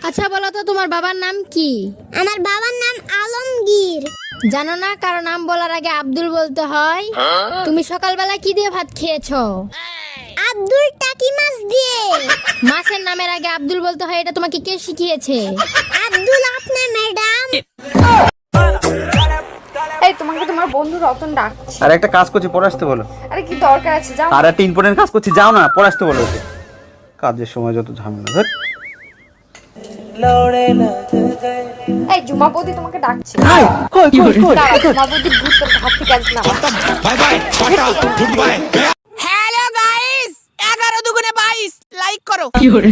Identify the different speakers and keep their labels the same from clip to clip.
Speaker 1: আচ্ছা বলো তো তোমার বাবার নাম কি?
Speaker 2: আমার বাবার নাম আলমগীর।
Speaker 1: জানো না কারো নাম বলার আগে আব্দুল বলতে হয়? তুমি সকালবেলা কি দিয়ে ভাত খেয়েছো?
Speaker 2: আব্দুল টাকি মাছ দিয়ে।
Speaker 1: মাছের নামের আগে আব্দুল বলতে হয়, এটা তোমাকে কে শিখিয়েছে?
Speaker 2: আব্দুল আপনার ম্যাডাম।
Speaker 3: এই তোমাকে তোমার বন্ধু রতন ডাকছে।
Speaker 4: আর একটা কাজ করছি, পরে আসতে বলো।
Speaker 3: আরে কি দরকার আছে, যাও।
Speaker 4: আর একটা ইম্পর্টেন্ট কাজ করছি, যাও না, পরে আসতে বলো ওকে। কাজের সময় যত ঝামেলা। ধুর।
Speaker 3: এই জুমা বৌদি তোমাকে ডাকছে।
Speaker 4: কই
Speaker 3: দাঁড়াও, জুমা বৌদি ভূত তোর হাত থেকে আজ না।
Speaker 5: Bye bye tata good bye. Hello guys, 11 দুগুণে 22 লাইক করো।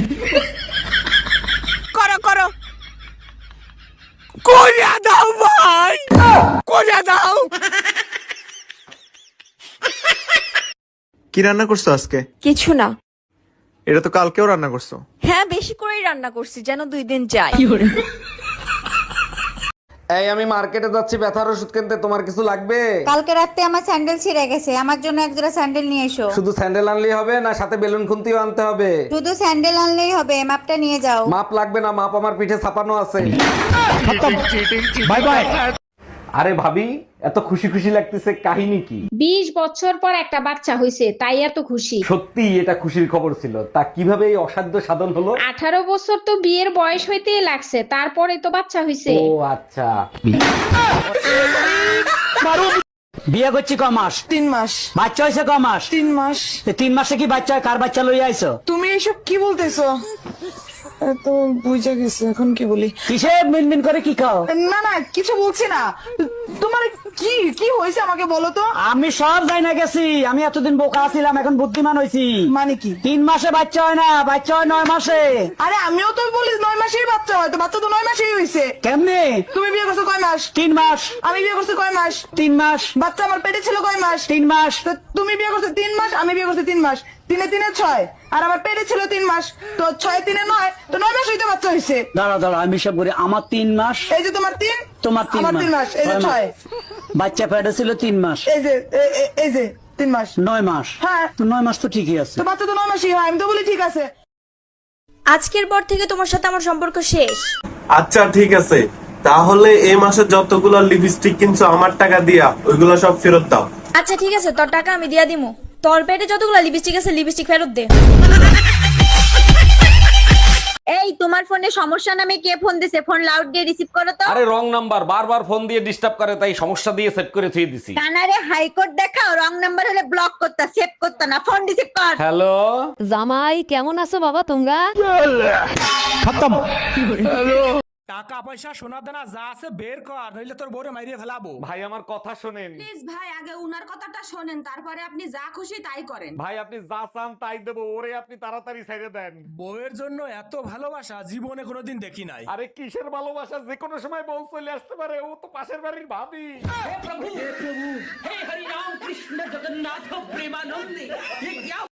Speaker 5: করো করো, কইরা দাও ভাই, কইরা দাও।
Speaker 6: কি রান্না করছো আজকে?
Speaker 7: কিছু না।
Speaker 6: এটা তো কালকেও রান্না করছো।
Speaker 7: হ্যাঁ, বেশি করেই রান্না করছি যেন 2 দিন যায়।
Speaker 8: এই আমি মার্কেটে যাচ্ছি ব্যথার ওষুধ কিনতে, তোমার কিছু লাগবে?
Speaker 9: কালকে রাতে আমার স্যান্ডেল ছিঁড়ে গেছে, আমার জন্য এক জোড়া স্যান্ডেল নিয়ে এসো।
Speaker 8: শুধু স্যান্ডেল আনলেই হবে না, সাথে বেলুন খুন্তিও আনতে হবে?
Speaker 9: শুধু স্যান্ডেল আনলেই হবে, মাপটা নিয়ে যাও।
Speaker 8: মাপ লাগবে না, মাপ আমার পিঠে ছাপানো আছে।
Speaker 5: Bye bye.
Speaker 8: আরে ভাবি, এত খুশি খুশি লাগতেছে, কাহিনী কি?
Speaker 10: 20 বছর পর একটা বাচ্চা হয়েছে, তাই এত খুশি।
Speaker 8: সত্যি এটা খুশির খবর ছিল। তা কিভাবে এই অসাধ্য সাধন হলো?
Speaker 10: 18 বছর তো বিয়ের বয়স হইতেই লাগছে, তারপরে তো বাচ্চা হয়েছে।
Speaker 8: ও আচ্ছা।
Speaker 11: বিয়ে করছি ক মাস?
Speaker 7: 3 মাস।
Speaker 11: বাচ্চা হয়েছে ক মাস?
Speaker 7: 3 মাস।
Speaker 11: 3 মাসে কি বাচ্চা হয়? কার বাচ্চা লইয়া আইছো?
Speaker 7: তুমি এসব কি বলতেছো? তো বুঝা গেছে, এখন কি বলি?
Speaker 11: কিসে মিনমিন করে কি খাও?
Speaker 7: না না, কিছু বলছি না। তোমার কি কি হয়েছে আমাকে বলো তো।
Speaker 11: আমি সব যাই না গেছি, আমি এতদিন বোকা ছিলাম, এখন বুদ্ধিমান হয়েছি।
Speaker 7: মানে কি?
Speaker 11: 3 মাসে বাচ্চা হয় না, বাচ্চা হয় 9 মাসে।
Speaker 7: আরে আমিও তো বলি 9 মাসেই বাচ্চা হয়, তো বাচ্চা তো 9 মাসেই হয়েছে।
Speaker 11: কেমনে?
Speaker 7: তুমি বিয়ে করছো কয় মাস?
Speaker 11: 3 মাস।
Speaker 7: আমি বিয়ে করছি কয় মাস?
Speaker 11: 3 মাস।
Speaker 7: বাচ্চা আমার পেটে ছিল কয় মাস?
Speaker 11: 3 মাস।
Speaker 7: তো তুমি বিয়ে করছো 3 মাস, আমি বিয়ে করছি 3 মাস। 3 এ 6, আর আমার পেটে ছিল 3 মাস, তো 6 এ 3 এ 9, তো 9 মাস হইতে বাচ্চা হয়েছে।
Speaker 11: দাঁড়াও দাঁড়াও, আমি সব করি। আমার 3 মাস।
Speaker 7: এই যে তোমার 3,
Speaker 11: তোমার 3
Speaker 7: আমার 3 মাস, এই যে 6।
Speaker 11: বাচ্চা পেটে ছিল 3 মাস।
Speaker 7: এই যে এই যে 3 মাস।
Speaker 11: 9 মাস।
Speaker 7: হ্যাঁ।
Speaker 11: তো 9 মাস তো ঠিকই আছে।
Speaker 7: তো বাচ্চা তো 9 মাসই হয়, আমি তো বলি ঠিক আছে।
Speaker 3: আজকের পর থেকে তোমার সাথে আমার সম্পর্ক শেষ।
Speaker 6: আচ্ছা ঠিক আছে, তাহলে এই মাসে যতগুলো লিপস্টিক কিনছো আমার টাকা দিয়া ওইগুলো সব ফেরত দাও।
Speaker 3: আচ্ছা ঠিক আছে, তোর টাকা আমি দিয়া দিমু। তোর পেটে যতগুলো লিপস্টিক আছে, লিপস্টিক ফেরত দে।
Speaker 10: এই তোমার ফোনে সমস্যা নামে কে ফোন দিছে? ফোন লাউড দিয়ে রিসিভ করো তো।
Speaker 8: আরে রং নাম্বার, বারবার ফোন দিয়ে ডিস্টার্ব করে, তাই সমস্যা দিয়ে সেট করে থুই দিছি।
Speaker 10: কানারে হাইকোর্ট দেখাও, রং নাম্বার হলে ব্লক করতা, সেভ করতা না, ফোন রিসিভ কর।
Speaker 8: হ্যালো
Speaker 1: জামাই কেমন আছো বাবা তোমরা?
Speaker 5: টাকা পয়সা সোনা দানা যা আছে বের কর, নইলে তোর বউরে মাইরিয়ে ফেলাবো।
Speaker 8: ভাই, আমার কথা শোনেন।
Speaker 10: প্লিজ ভাই, আগে উনার কথাটা শোনেন, তারপরে আপনি যা খুশি তাই করেন।
Speaker 8: ভাই, আপনি যা চান তাই দেবো, ওরে আপনি তাড়াতাড়ি ছেড়ে দেন।
Speaker 5: বউয়ের জন্য এত ভালোবাসা জীবনে কোনোদিন দেখি নাই।
Speaker 8: আরে কিসের ভালোবাসা, যে কোনো সময় বউ চলে আসতে পারে, ও তো পাশের বাড়ির ভাবি।